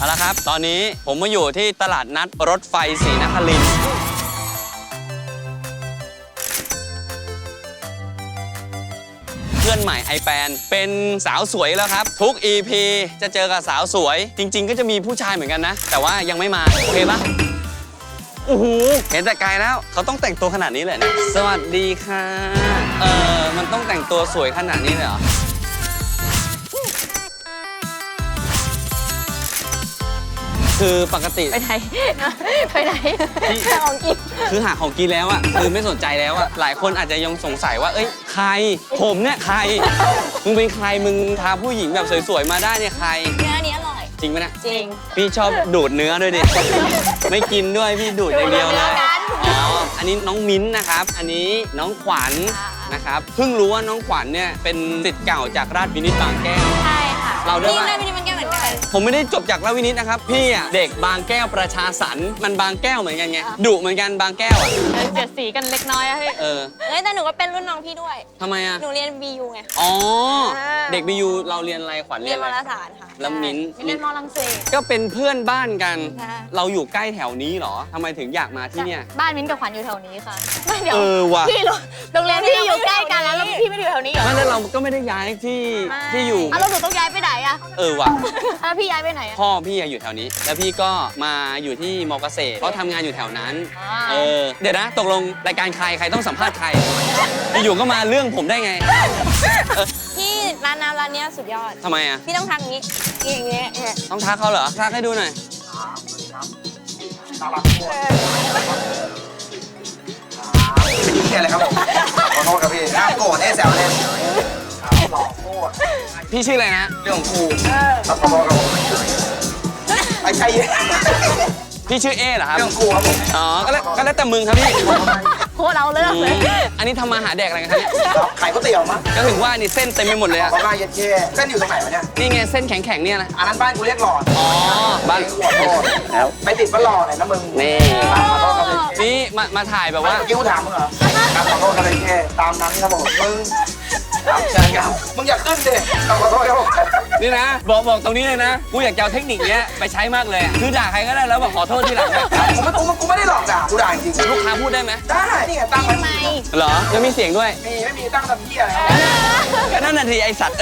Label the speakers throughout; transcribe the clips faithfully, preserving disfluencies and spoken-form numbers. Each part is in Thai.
Speaker 1: เอาละครับตอนนี้ผมมาอยู่ที่ตลาดนัดรถไฟศรีนครินทร์เพื่อนใหม่ไอแปนเป็นสาวสวยแล้วครับทุก อี พี จะเจอกับสาวสวยจริงๆก็จะมีผู้ชายเหมือนกันนะแต่ว่ายังไม่มาโอเคปะโอ้โหเห็นแต่ไกลแล้วเขาต้องแต่งตัวขนาดนี้เลยนะสวัสดีค่ะเออมันต้องแต่งตัวสวยขนาดนี้เลยเหรอคือปกติ
Speaker 2: ไปไหนไปไหนหาของกิน
Speaker 1: คือหาของกินแล้วอะคือไม่สนใจแล้วอะหลายคนอาจจะยังสงสัยว่าเอ้ยใครผมเนี่ยใครมึงเป็นใครมึงพาผู้หญิงแบบสวยๆมาได้เนี่ยใคร
Speaker 2: เนื้อนี้อร่อย
Speaker 1: จริงไหมเนี่ย
Speaker 2: จริง
Speaker 1: พี่ชอบดูดเนื้อด้วยดิไม่กินด้วยพี่ดูดอย่างเดียวเลยอ๋ออันนี้น้องมิ้นนะครับอันนี้น้องขวัญนะครับเพิ่งรู้ว่าน้องขวัญเนี่ยเป็นศิษย์เก่าจากราชวินิตบางแก้ว
Speaker 2: ใช่ค่ะ
Speaker 1: เราด้วย
Speaker 2: ราชวินิตบางแก้วเหมือนกัน
Speaker 1: ผมไม่ได้จบจากราชวินิตนะครับพี่อะเด็กบางแก้วประชาสรรค์มันบางแก้วเหมือนกันไงดุเหมือนกันบางแก้วอะ
Speaker 2: เสียดสีกันเล็กน้อยอะพี่
Speaker 1: เออ
Speaker 2: เอ้ยแต่หนูก็เป็นรุ่นน้องพี่ด้วย
Speaker 1: ทำไมอะ
Speaker 2: หนูเรียน บี ยู ไง
Speaker 1: อ๋อเด็ก บี ยู เราเรียนอะไรขวัญ
Speaker 2: เรียนวารสารค่ะ
Speaker 1: แล้วมิ้น
Speaker 2: เรียนมอลังเศส
Speaker 1: ก็เป็นเพื่อนบ้านกันเราอยู่ใกล้แถวนี้เหรอทำไมถึงอยากมาที่เนี่ย
Speaker 2: บ้านมิ้นกับขวัญอยู่แถวนี้ค่ะไม่เดี๋ยว
Speaker 1: เออว่ะ
Speaker 2: พี่โรงเรียนพี่อยู่ใกล้กันแล้วพี่ไม่ได้อยู่แถวนี้เหรอ
Speaker 1: ไม่แล้วเราก็ไม่ได้ย้ายที่ที่อยู่
Speaker 2: อ้าวเราต้องย้ายไปไหนอะ
Speaker 1: เออว่ะ
Speaker 2: แล้วพี่ย้ายไปไหนอะ
Speaker 1: พ่อพี่อยู่แถวนี้แล้วพี่ก็มาอยู่ที่มอเกษตรเขาทำงานอยู่แถวนั้นเออเดี๋ยวนะตกลงรายการใครใครต้องสัมภาษณ์ใครอยู่ก็มาเรื่องผมได้ไง
Speaker 2: พี่ร้านน้ำร้านนี้สุดยอด
Speaker 1: ทำไมอะ
Speaker 2: พี่ต้องทักงี้อย่างเงี้ย
Speaker 1: ต้องทักเขาเหรอทักให้ดูหน่อย
Speaker 3: พี่อะไรครับผมขอโทษครับพี่น้าโกรธเอ๊ะแซวเล่นหลอกโคตร
Speaker 1: พี่ชื่ออะไรนะ
Speaker 3: เรื่องของครูขอโทษครับผมไอ้ชัย
Speaker 1: พี่ชื่อเอ๊เหรอครับ
Speaker 3: เรื่องครูครับผม
Speaker 1: อ๋อก็แล้วก็แล้วแต่มึงครับพี่
Speaker 2: โคตรเอาเรื่องเลย
Speaker 1: อันนี้ทำมาหาแดกอะไรกันครับเนี่ย
Speaker 3: ขายก๋วยเตี๋ยวมั้ง
Speaker 1: ก็ถึงว่านี่เส้นเต็มไปหมดเลยอะ
Speaker 3: ขอมาเย็ดเช่เส้นอยู่ตรงไหนวะเนี่ย
Speaker 1: นี่ไงเส้นแข็งๆเนี่ยนะ
Speaker 3: อันนั้นบ้านกูเรียกหลอด
Speaker 1: อ๋อบ้าน
Speaker 3: ขอโทษแล้วไปติดบ้านหลอดไหนนะมึง
Speaker 1: นี่
Speaker 3: ขอโทษครับ
Speaker 1: นี่มามาถ่ายแบบว่า
Speaker 3: เมื่อกี้กูถามมึงเหรอขอโทษครับเช่ตามนั้นครับผมมึงครับเชิญครับมึงอย่าขึ้นดิขอโทษครับผม
Speaker 1: นี่นะบอกบอกตรงนี้เลยนะกูอยากจะเอาเทคนิคเนี้ยไปใช้มากเลยคือด่าใครก็ได้แล้วบอกขอโทษทีหลัง
Speaker 3: กูไม่กูไม่ได้หลอกด่ากูด่าจริง
Speaker 1: ลูกค้าพูดได้ไหม
Speaker 3: ได้นี่ไงตั้งไว้
Speaker 1: เหรอแล้วมีเสียงด้วย
Speaker 3: มีไม่มีตั้งทำเหี้ยอะไร
Speaker 1: ก็นั่นนาทีไอสัตว์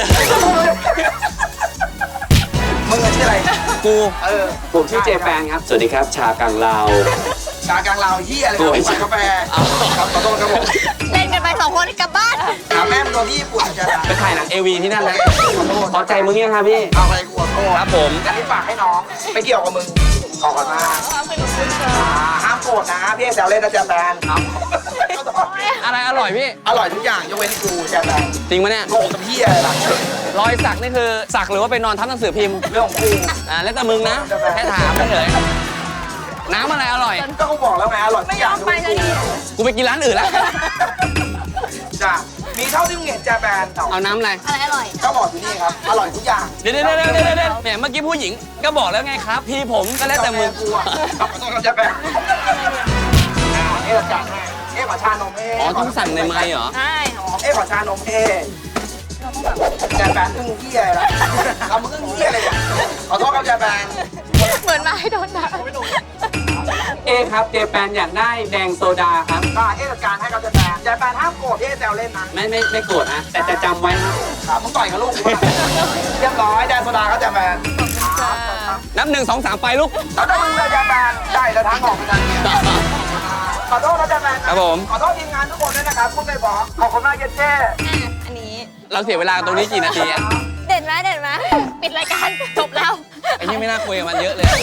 Speaker 3: มึงชื่ออะไร
Speaker 1: กู
Speaker 3: เออ
Speaker 1: ผมชื่อเจแปนครับสวัสดีครับชากังลาว
Speaker 3: ชากังลาวเหี้ยอะไรครับกาแฟครับขอโทษครับผม
Speaker 2: เล่นกันไปสองคนกลับบ้าน
Speaker 3: ถามแม่มึงตัวที่ญี่ปุ่นจะ
Speaker 1: ไปถ่ายหนังเอวีที่นั่นนะพอใจมึงยังครับพี่
Speaker 3: เอาอะไรกูขอโทษ
Speaker 1: ครับผม
Speaker 3: อันนี้ฝากให้น้องไม่เกี่ยวกับมึงขอกันมาห้ามโกรธนะพี่แซวเล่นนะเจแปนครับ
Speaker 1: อะไรอร่อยพี่
Speaker 3: อร่อยทุกอย่างยกเว้นกูเจแปน
Speaker 1: จริงไหมเนี่ย
Speaker 3: โกรธกับพี่อะไรล่ะ
Speaker 1: รอยสักนี่คือสักหรือว่าไปนอนทับหนังสือพิมพ์
Speaker 3: เรื่องของกู
Speaker 1: อ่าแล้วแต่มึงนะแค่ถามเฉยน้ำอะไรอร่อย
Speaker 3: ก็กูบอกแล้วไงอร่อย
Speaker 2: ไม่ยอมไปเลย
Speaker 1: กูไปกินร้านอื่นแล้ว
Speaker 3: จ้ะมีเท่าที่มึงเห็นเจแปน
Speaker 1: เอาน้ำอะไร
Speaker 2: อะไรอร่อย
Speaker 3: ก็บอกอยู่นี่ครับอร่อยทุกอย่าง
Speaker 1: เดี๋ยวเดี๋ยวเดี๋ยวเดี๋ยวเดี๋ยวแหมเมื่อกี้ผู้หญิงก็บอกแล้วไงครับพี่ผมก็แล้วแต่มึง
Speaker 3: กูอ่ะครับขอโทษครับเจแปนเอ๊ะจัดให้เอ๊ะขอชานมเอ๊ะ
Speaker 1: อ๋อต้องสั่งในไมค์เหรอ
Speaker 2: ใช่
Speaker 3: เอ๊ะขอชานมเอ๊ะเจแปนตึ้งเหี้ยอะไรล่ะทำมึงตึ้งเหี้ยอะไรเนี่ยขอโทษครับเจแปน
Speaker 2: เหมือนมาให้โดนด่า
Speaker 1: เอครับเจแปนอยากได้แดงโซดาครับ
Speaker 3: ก็เอ๊ะจัดการให้ครับเจแปนเจแปนห้ามโกรธเอ๊ะแซวเล่นนะ
Speaker 1: ไม่ไม่ไม่โกรธนะแต่จะจำไว้
Speaker 3: ครับมึงต่อยกับลูกเรียบร้อยแดงโซดาครับเจแปน
Speaker 1: นับหนึ่งสองสามไปลูก
Speaker 3: แล้วถ้ามึงเลยเจแปนได้แล้วทางออกไปทางนี้ขอโทษนะเจแปน
Speaker 1: ครับผม
Speaker 3: ขอโทษทีมงานทุกคนด้วยนะครับพูดไม่บอกขอบคุณมากเจเจ้
Speaker 2: อันนี้
Speaker 1: เราเสียเวลาตรงนี้กี่นาทีอะ
Speaker 2: เด็ดไหมเด็ดไหมปิดรายการจบแล้ว
Speaker 1: ไอ้นี่ไม่น่าคุยกับมันเยอะเลย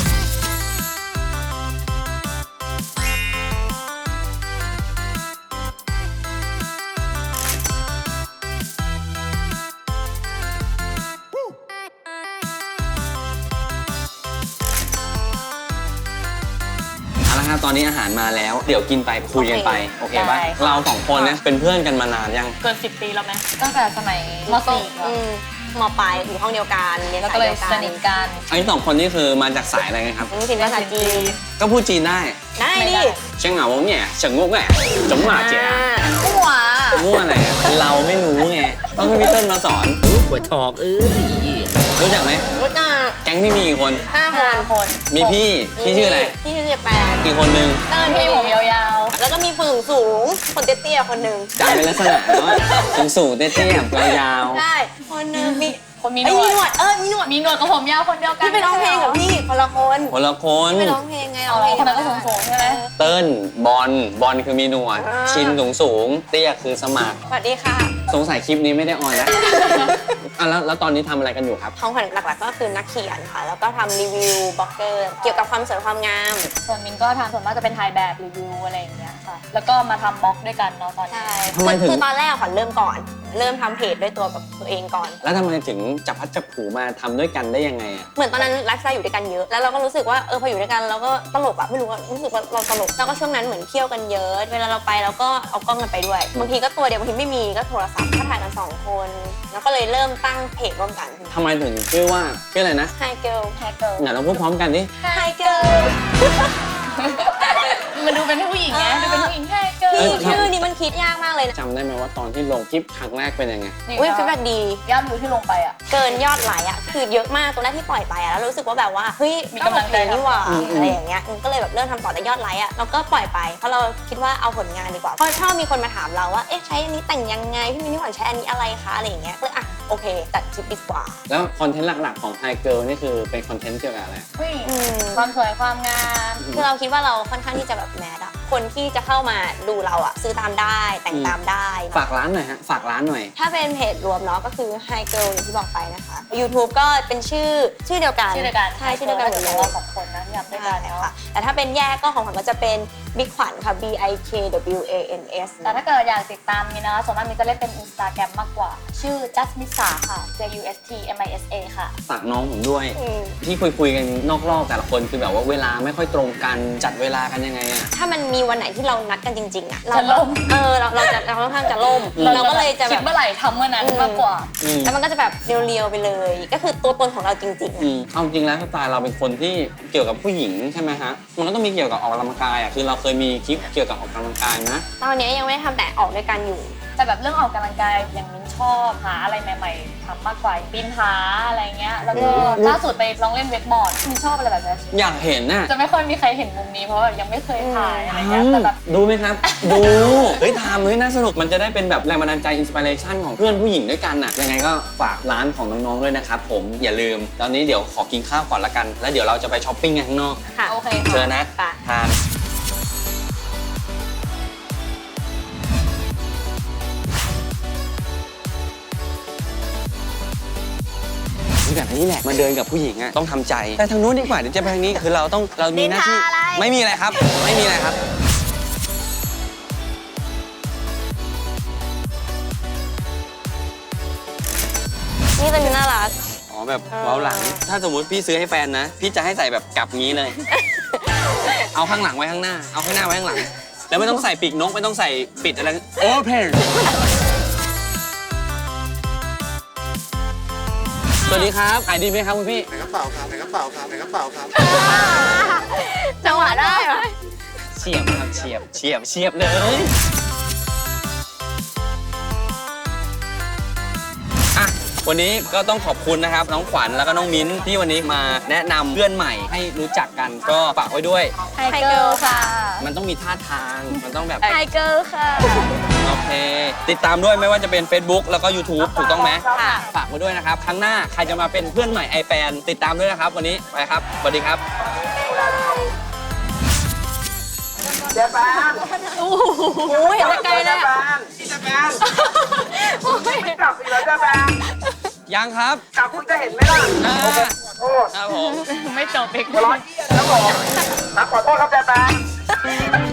Speaker 1: ตอนนี้อาหารมาแล้วเดี๋ยวกินไปคุยกันไปโอเคป่ะเราสองคนเนี่ยเป็นเพื่อนกันมานานยัง
Speaker 2: เกินสิบปีแล้วไหมตั้งแต่สมัยม.สี่ม.ปลายอยู่ห้องเดียวกันเรียนสายเดียวกันสนิทกัน
Speaker 1: อันนี้สองคนนี่คือมาจากสายอะไรกันครับ
Speaker 2: พูดภาษาจีน
Speaker 1: ก็พูดจีนได้
Speaker 2: ได้ดิ
Speaker 1: เชียงเหงาเนี่ยเฉิงงกเนี่ยจงหมาเจ๋อ
Speaker 2: มั่ว
Speaker 1: มั่วอะไรเราไม่รู้ไงต้องให้พี่เติ้ลมาสอนหัวถอกเอ้ยรู้จักไหม
Speaker 2: รู้จัก
Speaker 1: แก๊งพี่มีกี่คน
Speaker 2: ห้าคน
Speaker 4: คน
Speaker 1: มีพี่พี่ชื่ออะไร
Speaker 2: พี่ชื่อเจแปน
Speaker 1: กี่คนหนึ่ง
Speaker 2: เติ้ล
Speaker 4: พี่
Speaker 2: พี่
Speaker 4: ผมยาว
Speaker 2: แล้วก็มีคนสูงสูงๆคนเตี้ยๆคนหนึ่ง
Speaker 1: จำเป็นลักษณะว่าสูงสูงๆเตี้ยๆยาว
Speaker 2: ใช่คนหนึ่งมี
Speaker 4: ๆคนมีห
Speaker 2: ไอ้
Speaker 4: น
Speaker 2: ย
Speaker 4: ว
Speaker 2: มีหนว
Speaker 4: ด
Speaker 2: ดเออมีหนวด
Speaker 4: มีหนวดกับผมยาวคนเดียวกัน
Speaker 2: พี่ไปร้องเพลงกับพี่คนละคน
Speaker 1: ๆคนละคน
Speaker 2: ไปร้องเพลงไง
Speaker 4: เอา
Speaker 2: ร้อง
Speaker 4: เหร
Speaker 2: เพ
Speaker 4: อ
Speaker 2: ลง
Speaker 4: คนนั้นก็สูงๆใช่ไหม
Speaker 1: เติ้ลบอลบอลคือมีหนวด ชินสูงสูงๆเตี้ยคือสมัคร
Speaker 2: สวัสดีค่ะ
Speaker 1: สงสัยคลิปนี้ไม่ได้ออนแล้ว อ่ะแล้วแล้วตอนนี้ทำอะไรกันอยู่ครับ
Speaker 2: ของขวัญหลักๆก็คือนักเขียนค่ะ แล้วก็ทำรีวิวบล็อกเกอร์เกี่ยวกับความสวยความงาม
Speaker 4: ส่วนมินก็ทำส่วนมากจะเป็นถ่ายแบบรีวิวอะไรอย่างเงี้ยค่ะ แล้วก็มาทำบล็อกด้วยกันเนาะตอนนี้
Speaker 2: ใช่
Speaker 1: ทำไมถึง
Speaker 2: คือตอนแรกขวัญเริ่มก่อน เริ่มทำเพจด้วยตัวกับตัวเองก่อน
Speaker 1: แล้วทำไมถึงจับพัดจับผูมาทำด้วยกันได้ยังไงอ่ะ
Speaker 2: เหมือนตอนนั้นไลฟ์สไตล์อยู่ด้วยกันเยอะ แล้วเราก็รู้สึกว่าเออพออยู่ด้วยกันเราก็ตลกอะไม่รู้ว่ารู้สึกว่าเราตลก แล้วก็ช่วงนั้นเหมือนเที่ยวกันเยอะ เวลาเราไปเราก็เอากล้องกันไปด้วย บางทีก็ตัวเดียวบางทีไม่มีก็โทรศัพท์ก็ถ่ายกันสองคน แล้วก็เลยเริ่มตั้งเพจร่วมกัน
Speaker 1: ทำไมถึงชื่อว่าชื่ออะไรนะ
Speaker 2: Hi Girl
Speaker 4: แฮกเกิล
Speaker 1: เดี๋ยวเราพูดพร้อมกันดิ
Speaker 2: Hi Girl
Speaker 4: มันดูเป็นผู้หญิงไงดูเป็นผู้หญิงแฮกเกิล
Speaker 1: เอ
Speaker 2: พี่
Speaker 1: อ
Speaker 2: ชื่อนี้มันคิดยากมากเลยนะ
Speaker 1: จำได้ไหมว่าตอนที่ลงคลิปครั้งแรกเป็นยังไง
Speaker 2: อุ้ยฟีดแบ็กดี
Speaker 4: ยอดวิวที่ลงไปอ่ะ
Speaker 2: เกินยอดไลค์อะคือเยอะมากตัวแรกที่ปล่อยไปอะแล้วรู้สึกว่าแบบว่าเฮ้ย
Speaker 4: มีกำลังใจ
Speaker 2: ต้องโอเคนี่หว่า
Speaker 1: อืมอืม
Speaker 2: อะไรอย่างเงี้ยอืมก็เลยแบบเริ่มทำต่อแต่ยอดไลค์อะเราก็ปล่อยไปเพราะเราคิดว่าเอาผลงานดีกว่าเพราะชอบมีคนมาถามเราว่าเอ๊ะใช้อันนี้แต่งยังไงพี่มินนี่หวานใช้อันนี้อะไรคะอะไรอย่างเงี้ยก็เลยอ่ะโอเคจัดคลิปดีกว่า
Speaker 1: แล้วคอนเทนต์หลักๆของ Hi Girl นี่คือเป็นคอนเทนต์เกี่ยวกับอะไร
Speaker 4: ผู้หญิง
Speaker 2: อืม
Speaker 4: ความสวยความงาม
Speaker 2: คือเราคิดว่าเราค่อนข้างที่จะแบบแมสอะคนที่จะเข้ามาดูเราอะซื้อตามได้แต่งตามได้
Speaker 1: ฝากร้านหน่อยฮะ ฝากร้านหน่อย
Speaker 2: ถ้าเป็นเพจรวมเนาะก็คือ Hi Girl อย่างที่บอกไปนะคะ YouTube ก็เป็นชื่อชื่อเดียวกัน
Speaker 4: ชื่อเดียวกัน
Speaker 2: ใช่ชื่อเดียวกันหมดเล
Speaker 4: ข
Speaker 2: ย
Speaker 4: องเราสองคนนะที่ทำด้วยกัน
Speaker 2: ใช่
Speaker 4: เนาะ
Speaker 2: ค่ะแต่ถ้าเป็นแยกก็ของขวัญก็จะเป็นบิ๊กขวัญค่ะ B I K W A N S
Speaker 4: แต่ถ้าเกิดอยากติดตามมินนะคะส่วนมากมินจะเล่นเป็น Instagram มากกว่า ชื่อ just misa ค่ะ J U S T M I S A ค่ะ
Speaker 1: ฝากน้องผมด้วย
Speaker 2: อืม
Speaker 1: ที่คุยคุยๆกันนอกรอบแต่ละคนคือแบบว่าเวลาไม่ค่อยตรงกันจัดเวลากันยังไงอะ
Speaker 2: ถ้ามันมีวันไหนที่เรานัดกันจริงๆอะเรา
Speaker 4: จะล่ม
Speaker 2: เออเราเราจะเราค่อนข้างจะล่ม เราก็เลยจะแบ
Speaker 4: คิด
Speaker 2: บ
Speaker 4: เมื่อไหร่ทำเมื่อนั้นมากกว่า
Speaker 1: อืม
Speaker 2: แล้วมันก็จะแบบเรียวๆไปเลย ก็คือตัวตนของเราจริงๆ
Speaker 1: อื
Speaker 2: อะ
Speaker 1: มเอาจริงแล้วสไตล์เราเป็นคนที่เกี่ยวกับผู้หญิงใช่ไหมฮะ มันก็ต้องมีเกี่ยวกับออกกำลังกายอ่ะ คือเราเคยมีคลิปเกี่ยวกับออกกำลังกายนะ
Speaker 2: ตอนนี้ยังไม่ได้ทำแต่ออกด้วยกันอยู่
Speaker 4: แต่แบบเรื่องออกกำลังกายอย่างมินชอบหาอะไรใหม่ๆทำมากกว่าปีนผาอะไรเงี้ย แล้วก็
Speaker 1: อืม
Speaker 4: ล่าสุดไปลองเล่นเวกบอร์ดมินชอบอะไรแบบนี้
Speaker 1: อยากเห็นน่ะ
Speaker 4: จะไม่ค่อยมีใครเห็นมุมนี้เพราะว่ายังไม่เคยถ่ายอะไรเงี้ยแต่แบบ
Speaker 1: ดูไหมครับ ดู เฮ้ยทำเฮ้ยน่าสนุก มันจะได้เป็นแบบแรงบันดาลใจอินสปิเรชันของเพื่อนผู้หญิงด้วยกันน่ะ ยังไงก็ฝากร้านของน้องๆด้วยนะครับผม อย่าลืม ตอนนี้เดี๋ยวขอกินข้าวก่อนละกัน แล้วเดี๋ยวเราจะไปช้อปปิ้งกันข้างนอก
Speaker 2: ค่ะ
Speaker 4: โอเค
Speaker 1: เชิญนะ
Speaker 2: ค่ะ
Speaker 1: ทานแบบนี้แหละมาเดินกับผู้หญิงอะต้องทำใจไปทางนู้นดีกว่าเดี๋ยวจะไปทางนี้คือเราต้องเรามีหน้าที่
Speaker 2: นินทาอะไร
Speaker 1: ไม่มีอะไรครับ ไม่มีอะไรครับ
Speaker 2: นี่จะมีน่ารัก
Speaker 1: อ๋อแบบเว้าหลัง ถ้าสมมุติพี่ซื้อให้แฟนนะ พี่จะให้ใส่แบบกลับงี้เลย เอาข้างหลังไว้ข้างหน้า เอาข้างหน้าไว้ข้างหลัง แล้วไม่ต้องใส่ปีกนกไม่ต้องใส่ปิดอะไรโอเพนสวัสดีครับขายดีไหมครับคุณพี่
Speaker 3: ไหนกระเป๋าครับไหนกระเป๋าครับไหนกระเป๋าครับ
Speaker 2: จังหวะได้เหรอ
Speaker 1: เฉียบครับเฉียบเฉียบเฉียบเลย อ่ะ วันนี้ก็ต้องขอบคุณนะครับ น้องขวัญแล้วก็น้องมิ้นที่วันนี้มาแนะนำเพื่อนใหม่ให้รู้จักกันก็ฝากไว้ด้วย
Speaker 4: ไฮเกิลค่ะ
Speaker 1: มันต้องมีท่าทาง มันต้องแบบ
Speaker 4: ไฮเกิลค่ะ
Speaker 1: โอเค ติดตามด้วยไม่ว่าจะเป็น Facebook แล้วก็ YouTube ถูกต้องไหม
Speaker 2: ค่ะ
Speaker 1: ฝากไว้ด้วยนะครับ ครั้งหน้าใครจะมาเป็นเพื่อนใหม่ไอแปนติดตามด้วยนะครับ วันนี้ไปครับ สวัสดีครับ
Speaker 3: เจ๊แปน
Speaker 2: โอ้ยเห็นแต่ไกลเลยอะ
Speaker 3: พี่เจ๊แปนไม่กลับอีกแล้วเจ๊แปน
Speaker 1: ยังครับ
Speaker 3: กลับคุณจะเห็นไหมล่ะ
Speaker 1: อ่า
Speaker 3: โอ้
Speaker 1: ครับผม
Speaker 4: ไม่จบอีก
Speaker 3: ร้อนครับผมครับขอโทษครับเจ๊แปน